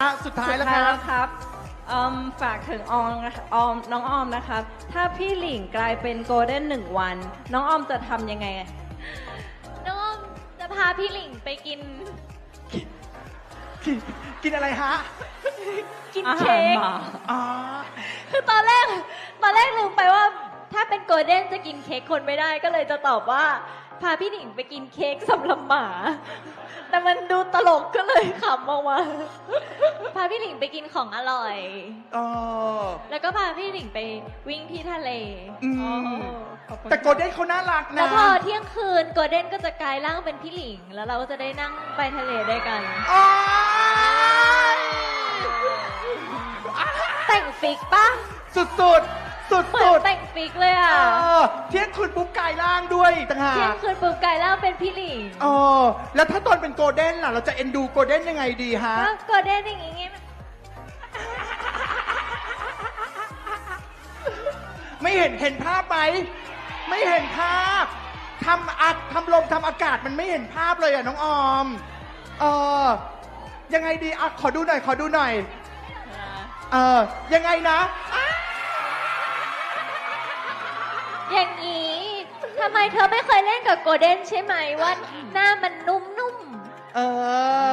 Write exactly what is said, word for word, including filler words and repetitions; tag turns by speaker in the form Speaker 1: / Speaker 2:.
Speaker 1: อ่ะสุดท้ายแล้วค
Speaker 2: สุดท้าย
Speaker 1: รั
Speaker 2: แล้
Speaker 1: บ
Speaker 2: วครับอืมฝากถึงออมนะคะออมน้องออมนะครับ ถ้าพี่หลิงกลายเป็นโกลเด้นหนึ่งวัน น้องออมจะทำยังไง
Speaker 3: น้องอ้อมจะพาพี่หลิงไปกิน
Speaker 1: กินกินอะไรฮะ
Speaker 3: กิน
Speaker 2: อาหาร
Speaker 3: เค้ก
Speaker 2: หมา
Speaker 1: อ๋อ
Speaker 3: คือตอนแรก ตอนแรกลืมไปว่า ถ้าเป็นโกลเด้นจะกินเค้กคนไม่ได้ก็เลยจะตอบว่า พาพี่หลิงไปกินเค้กสำหรับหมา แต่มันดูตลกก็เลยขำออกมาพาพี่หลิงไปกินของอร่อย
Speaker 1: เออ
Speaker 3: แล้วก็พาพี่หลิงไปวิ่งที่ทะเล
Speaker 1: อืม
Speaker 2: อ๋อขอบคุณ
Speaker 1: แต่โกลเด้นเขาน่ารัก
Speaker 3: แล้
Speaker 1: นะ
Speaker 3: วพอเที่ยงคืนโกลเด้นก็จะกลายร่างเป็นพี่หลิง แล้วเราก็จะได้นั่งไปทะเลด้วยกัน
Speaker 1: อ๋อ
Speaker 3: แต่งฟิกปะ
Speaker 1: สุดสุดสุด
Speaker 3: เหมือ
Speaker 1: สุ
Speaker 3: น
Speaker 1: ด
Speaker 3: แต่งฟิกเลย
Speaker 1: เอ
Speaker 3: อ่ะ
Speaker 1: อเที่ยงคืนปุ๊บกายร่างด้วยอีกต่างหา
Speaker 3: เที่ยง
Speaker 1: ก
Speaker 3: คืนปุ๊บกลายร่างเป็นพี่หลิง
Speaker 1: เออแล้วถ้าตอนเป็นโกลเด้นล่ะ เราจะเอ็นดูโกลเด้นยังไงดีฮะ
Speaker 3: ก็โกลเด้นอย่างงี้ไง
Speaker 1: ไม่เห็นเห็นภาพไหม ไม่เห็นภาพทำอัดทำลมทำอากาศมันไม่เห็นภาพเลยอ่ะน้องออม เออยังไงดีอ่ะขอดูหน่อย ขอดูหน่อย เออยังไงนะอ่ะ
Speaker 3: อย่างนี้ทำไมเธอไม่เคยเล่นกับโกลเด้นใช่ไหมว่าหน้ามันนุ่มๆ
Speaker 1: เออ